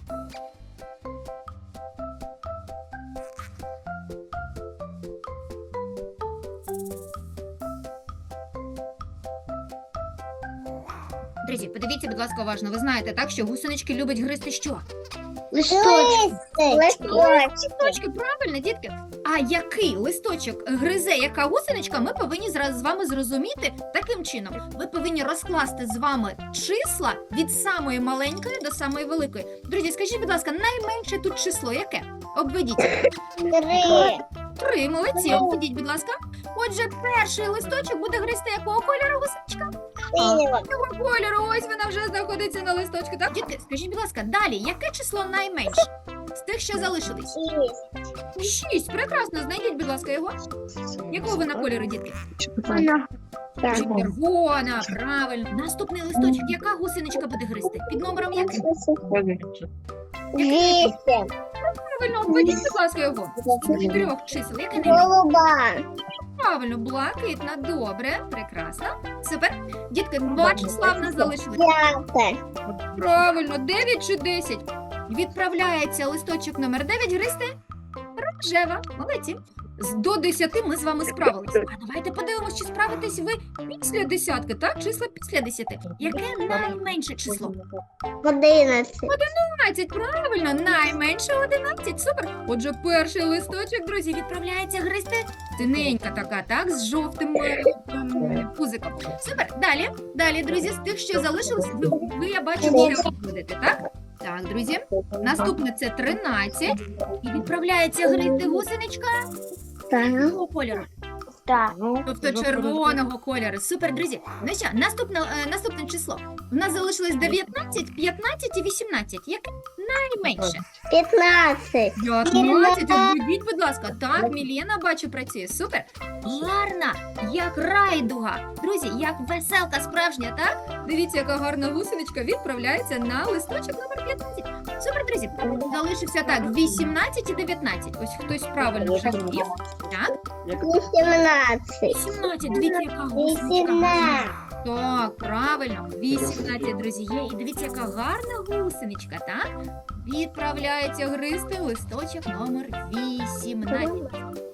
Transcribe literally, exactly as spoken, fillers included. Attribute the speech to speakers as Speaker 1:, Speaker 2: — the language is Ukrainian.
Speaker 1: Друзі, подивіться, будь ласка, уважно. Ви знаєте, так, що гусенички люблять гризти що?
Speaker 2: Листочки.
Speaker 1: Листочки, правильно, дітки. А який листочок гризе яка гусеничка, ми повинні зараз з вами зрозуміти таким чином. Ви повинні розкласти з вами числа від самої маленької до самої великої. Друзі, скажіть, будь ласка, найменше тут число яке? Обведіть.
Speaker 2: Три.
Speaker 1: Три, молодці, обведіть, будь ласка. Отже, перший листочок буде гризти якого кольору гусеничка?
Speaker 2: Синього.
Speaker 1: Якого кольору, ось вона вже знаходиться на листочку. Так, дітки, скажіть, будь ласка, далі, яке число найменше? З тих, що залишились?
Speaker 2: Шість.
Speaker 1: Шість. Прекрасно, знайдіть, будь ласка, його. Якого вона кольору, дітки?
Speaker 2: Так.
Speaker 1: Червона, правильно. Наступний листочок, яка гусеничка буде гризти? Під номером яким?
Speaker 2: Вісім.
Speaker 1: Правильно, обведіть, будь ласка, його. З чотирьох чисел, яке найменше?
Speaker 2: Голуба.
Speaker 1: Правильно, блакитна, добре, прекрасно. Супер. Дітки, два числа в нас залишились.
Speaker 2: П'яте.
Speaker 1: Правильно, дев'ять чи десять. Відправляється листочок номер дев'ять гризти рожева. Молодці. З до десяти ми з вами справились. А давайте подивимось, чи справитесь ви після десятки, так? Числа після десяти. Яке найменше число?
Speaker 2: Одинадцять.
Speaker 1: одинадцять, правильно, найменше одинадцять. Супер. Отже, перший листочок, друзі, відправляється гризти. Синенька така, так, з жовтим е, ем, пузиком. Супер. Далі, далі, друзі, з тих, що залишилось, ви, ви я бачу, ще будете, так? Так, друзі. Наступне це тринадцять. І відправляється гризти гусеничка
Speaker 2: Так.
Speaker 1: якого кольору?
Speaker 2: Так.
Speaker 1: Тобто червоного кольору. Супер, друзі. Ну що, наступне, е, наступне число. У нас залишилось дев'ятнадцять, п'ятнадцять і вісімнадцять. Яке найменше?
Speaker 2: П'ятнадцять.
Speaker 1: п'ятнадцять, обведіть, будь ласка. Так, Мілена, бачу, працює. Супер. Гарна, як райдуга. Друзі, як веселка справжня, так? Дивіться, яка гарна гусеничка відправляється на листочок номер п'ятнадцять. Супер, друзі. Залишився так, вісімнадцять і дев'ятнадцять. Ось хтось правильно вже вів. Так,
Speaker 2: Вісімнадцять.
Speaker 1: вісімнадцять. Дивіться, яка гусеничка.
Speaker 2: Вісімнадцять.
Speaker 1: Так, правильно. вісімнадцять, друзі, є. І дивіться, яка гарна гусеничка, так? Відправляється гризти листочок номер вісімнадцять.